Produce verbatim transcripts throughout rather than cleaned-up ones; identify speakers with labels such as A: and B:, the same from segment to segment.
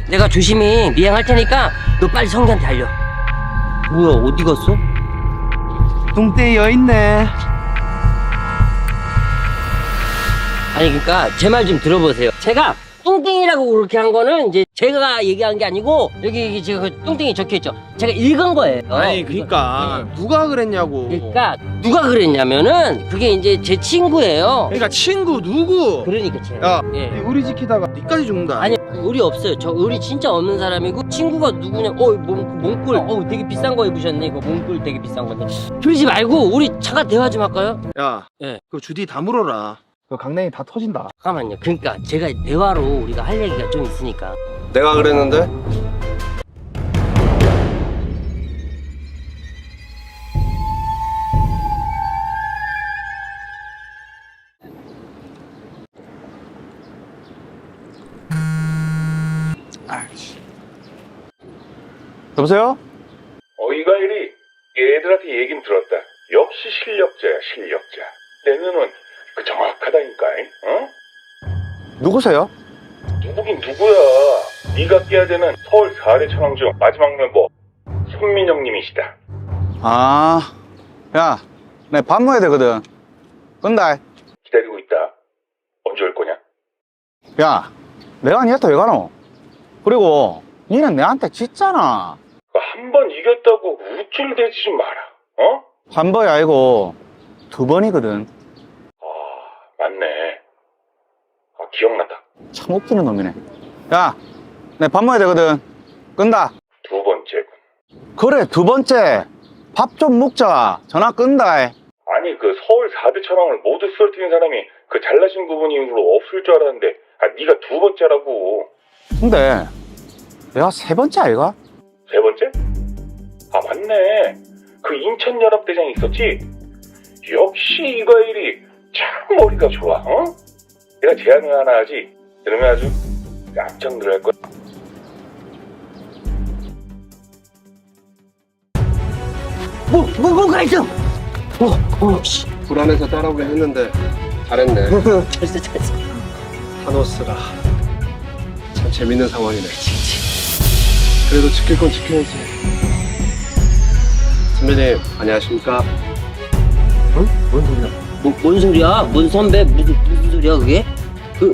A: 내가 조심히 미행할 테니까 너 빨리 성기한테 알려. 뭐야, 어디 갔어?
B: 뚱땡이 여있네.
A: 아니, 그러니까 제 말 좀 들어보세요. 제가 뚱땡이라고 그렇게 한 거는 이제 제가 얘기한 게 아니고, 여기, 여기 지금 그 뚱땡이 적혀있죠. 제가 읽은 거예요.
B: 아니 그니까
A: 네.
B: 누가 그랬냐고.
A: 그러니까 누가 그랬냐면은 그게 이제 제 친구예요.
B: 그러니까 친구 누구?
A: 그러니까 제가.
B: 야,
A: 예.
B: 네 의리 지키다가 니까지 죽는다.
A: 아니, 의리 없어요. 저 의리 진짜 없는 사람이고, 친구가 누구냐, 어, 몽, 몽골, 어, 되게 비싼 거 입으셨네. 이거 몽골 되게 비싼 건데. 그러지 말고, 우리 잠깐 대화 좀 할까요?
B: 야,
A: 예.
B: 그 주디 다 물어라. 그 강냉이 다 터진다.
A: 잠깐만요. 그러니까 제가 대화로 우리가 할 얘기가 좀 있으니까.
C: 내가 그랬는데?
B: 여보세요?
D: 어이가 이리 얘들한테 얘긴 들었다. 역시 실력자야, 실력자. 내 눈은 그 정확하다니까. 어?
B: 누구세요?
D: 누구긴 누구야. 네가 깨야 되는 서울 사 대 천왕 중 마지막 멤버 손민영님이시다.
E: 아, 야, 내 밥 먹어야 되거든. 끈다.
D: 기다리고 있다. 언제 올 거냐?
E: 야, 내가 니한테 왜 가노? 그리고 니는 내한테 짖잖아.
D: 한 번 이겼다고 우쭐대지 좀 마라. 어?
E: 한 번이 아니고 두 번이거든.
D: 아, 맞네. 아, 기억났다.
E: 참 웃기는 놈이네. 야, 내 밥 먹어야 되거든. 끈다.
D: 두 번째군.
E: 그래, 두 번째. 밥 좀 먹자. 전화 끈다.
D: 아니 그 서울 사 대 천왕을 모두 쓰러뜨린 사람이 그 잘나신 부분이 이후로 없을 줄 알았는데 아 네가 두 번째라고.
E: 근데 내가 세 번째 아이가?
D: 세 번째? 아 맞네. 그 인천연합대장 있었지? 역시 이과일이 참 머리가 좋아. 어? 내가 제안을 하나 하지. 그러면 아주 깜짝 놀랄 거야.
A: 뭐, 뭐, 뭔가 있어! 어, 어, 씨.
C: 불안해서 따라오긴 했는데 잘했네.
A: 잘했어, 잘했어.
C: 타노스라. 참 재밌는 상황이네. 그래도 지킬 건 지켜야지. 선배님 안녕하십니까?
A: 어? 뭔 소리야? 뭐, 뭔 소리야? 뭔 선배? 무슨, 무슨 소리야, 그게? 그,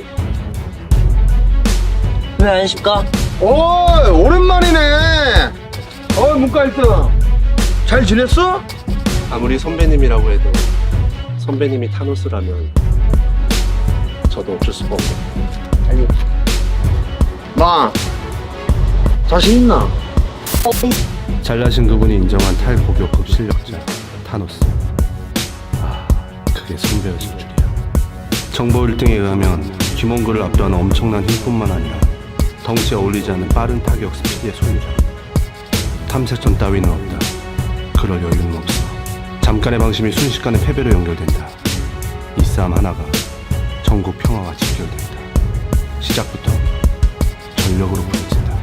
A: 왜 안십니까?
B: 오, 오랜만이네. 어, 문과일등. 잘 지냈어?
C: 아무리 선배님이라고 해도 선배님이 타노스라면 저도 어쩔 수가 없네.
B: 아니, 마, 자신 있나?
F: 잘나신 그분이 인정한 탈고교급 실력자 타노스. 아, 그게 선배였을 줄이야. 정보 일 등에 의하면 김원구를 압도하는 엄청난 힘뿐만 아니라 덩치에 어울리지 않는 빠른 타격 스피드의 소유자. 탐색전 따위는 없다. 그럴 여유는 없어. 잠깐의 방심이 순식간에 패배로 연결된다. 이 싸움 하나가 전국 평화와 직결된다. 시작부터 전력으로 부딪힌다.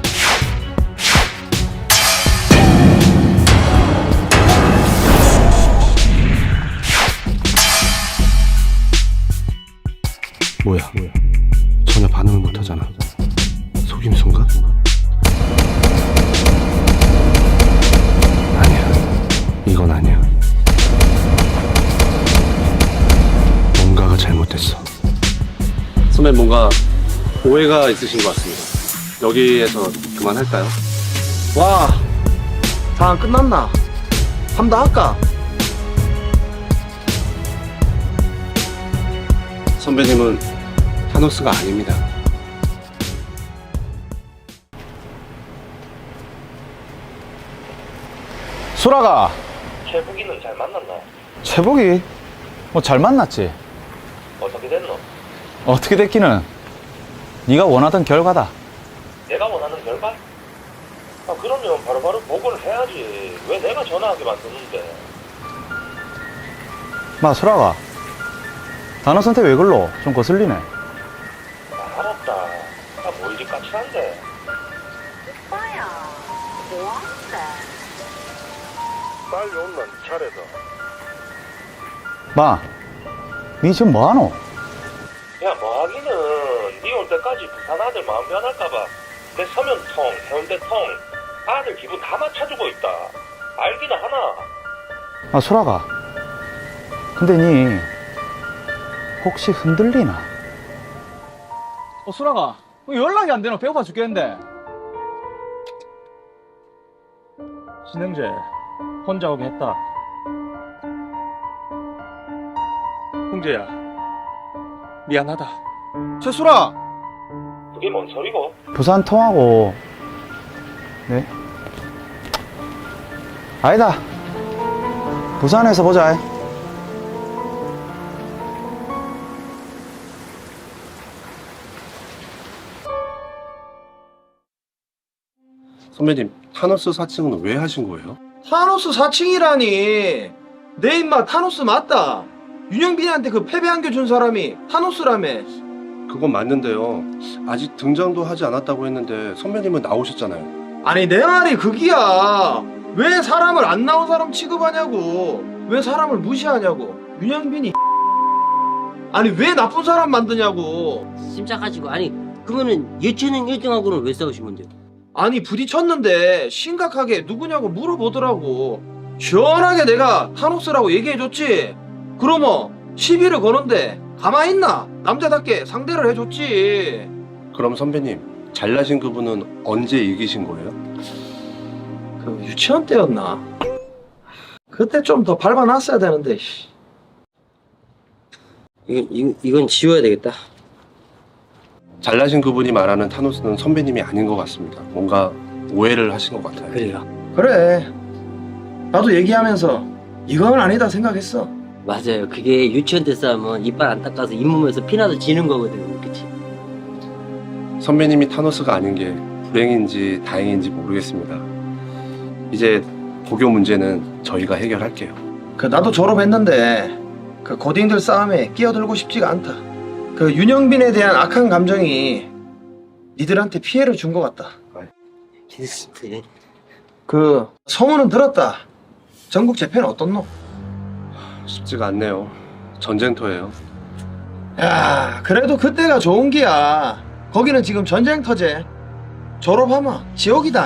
F: 뭐야? 뭐야? 전혀 반응을 못하잖아. 속임수인가? 아니야. 이건 아니야. 뭔가가 잘못됐어.
C: 선배님 뭔가 오해가 있으신 것 같습니다. 여기에서 그만할까요?
B: 와, 다 끝났나? 함 더 할까?
C: 선배님은 타노스가 아닙니다.
E: 수라가.
G: 최북이는 잘 만났나?
E: 최복이 뭐 잘 만났지.
G: 어떻게 됐노?
E: 어떻게 됐기는 네가 원하던 결과다.
G: 내가 원하는 결과? 아 그러면 바로바로 보고를 해야지. 왜 내가 전화하게 만드는데?
E: 마, 수라가. 단어 선택 왜 글러? 좀 거슬리네.
G: 아, 알았다. 나뭐 이리 까칠한데?
H: 오빠야, 뭐하는데?
G: 빨리 온나 네 차례다.
E: 마, 니 지금 뭐하노?
G: 야 뭐하기는 니 올 때까지 부산 아들 마음 변할까봐 내 서면통, 해운대통 아들 기분 다 맞춰주고 있다. 알기는 하나.
E: 아, 수라가. 근데 니 혹시 흔들리나?
B: 어, 수라가. 왜 연락이 안 되나? 배고파 죽겠는데. 신영재, 혼자 오게 했다.
C: 형제야, 미안하다.
B: 최수라!
G: 그게 뭔 소리고?
E: 부산 통하고. 네? 아니다. 부산에서 보자.
C: 선배님, 타노스 사칭은 왜 하신 거예요?
B: 타노스 사칭이라니. 내 임마 타노스 맞다. 윤영빈한테 그 패배 안겨준 사람이 타노스라며.
C: 그건 맞는데요. 아직 등장도 하지 않았다고 했는데 선배님은 나오셨잖아요.
B: 아니 내 말이 그기야. 왜 사람을 안 나온 사람 취급하냐고. 왜 사람을 무시하냐고. 윤영빈이 아니 왜 나쁜 사람 만드냐고.
A: 심착하시고 아니 그러면은 예체능 일 등하고는 왜 싸우신 건데요?
B: 아니 부딪혔는데 심각하게 누구냐고 물어보더라고. 시원하게 내가 타노스라고 얘기해줬지. 그러면 시비를 거는데 가만히 있나? 남자답게 상대를 해줬지.
C: 그럼 선배님, 잘나신 그분은 언제 이기신 거예요?
B: 그 유치원 때였나? 그때 좀 더 밟아놨어야 되는데. 씨.
A: 이건 이건, 이건 지워야 되겠다.
C: 잘나신 그분이 말하는 타노스는 선배님이 아닌 것 같습니다. 뭔가 오해를 하신 것 같아요.
A: 그래요.
B: 그래. 나도 얘기하면서 이건 아니다 생각했어.
A: 맞아요. 그게 유치원 때 싸우면 이빨 안 닦아서 잇몸에서 피나서 지는 거거든. 그치?
C: 선배님이 타노스가 아닌 게 불행인지 다행인지 모르겠습니다. 이제 고교 문제는 저희가 해결할게요.
B: 그 나도 졸업했는데 그 고딩들 싸움에 끼어들고 싶지가 않다. 그 윤영빈에 대한 악한 감정이 니들한테 피해를 준 것 같다.
A: 괜찮습니다.
B: 그 소문은 들었다. 전국 재패는 어떻노?
C: 쉽지가 않네요. 전쟁터예요.
B: 야, 그래도 그때가 좋은 기야. 거기는 지금 전쟁터제. 졸업하면 지옥이다.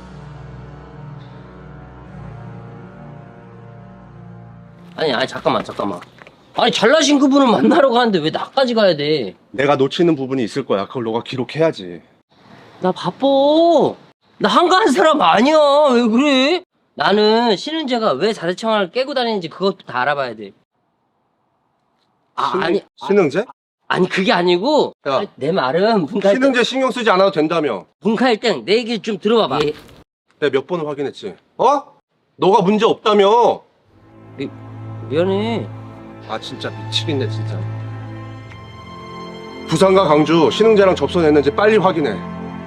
A: 아니 아니 잠깐만 잠깐만. 아니 잘나신 그분을 만나러 가는데 왜 나까지 가야 돼?
C: 내가 놓치는 부분이 있을 거야. 그걸 너가 기록해야지.
A: 나 바빠. 나 한가한 사람 아니야. 왜 그래? 나는 신은재가 왜 사대청을 깨고 다니는지 그것도 다 알아봐야 돼. 아
C: 신-
A: 아니
C: 신흥재?
A: 아니 그게 아니고
C: 야.
A: 아니, 내 말은 문카 일 등
C: 신흥재 신경 쓰지 않아도 된다며.
A: 문카 일 등 내 얘기 좀 들어봐봐. 예,
C: 내가 몇 번을 확인했지. 어? 너가 문제 없다며.
A: 미안해.
C: 아 진짜 미치겠네 진짜. 부산과 강주 신흥재랑 접선했는지 빨리 확인해.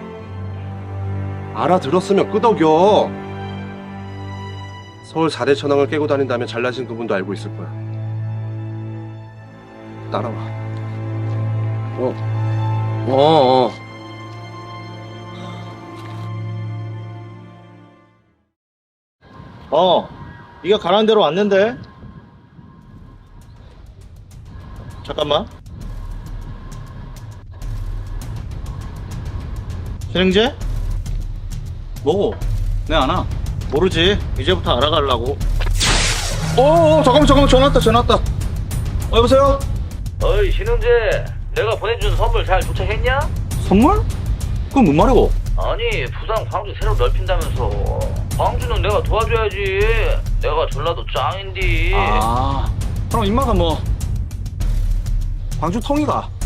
C: 알아들었으면 끄덕여. 서울 사 대 천왕을 깨고 다닌다면 잘나신 그분도 알고 있을 거야. 따라와.
A: 어 어.
I: 어, 네가 가라는 대로 왔는데. 잠깐만. 신행제?
E: 뭐고? 내 아나?
I: 모르지. 이제부터 알아가려고.
E: 오, 잠깐만, 잠깐만, 전화 왔다, 전화 왔다. 어, 여보세요?
G: 어이 신은재, 내가 보내준 선물 잘 도착했냐?
E: 선물? 그건 뭔 말이고?
G: 아니 부산 광주 새로 넓힌다면서. 광주는 내가 도와줘야지. 내가 전라도 짱인디.
E: 아, 그럼 임마가 뭐 광주 통이가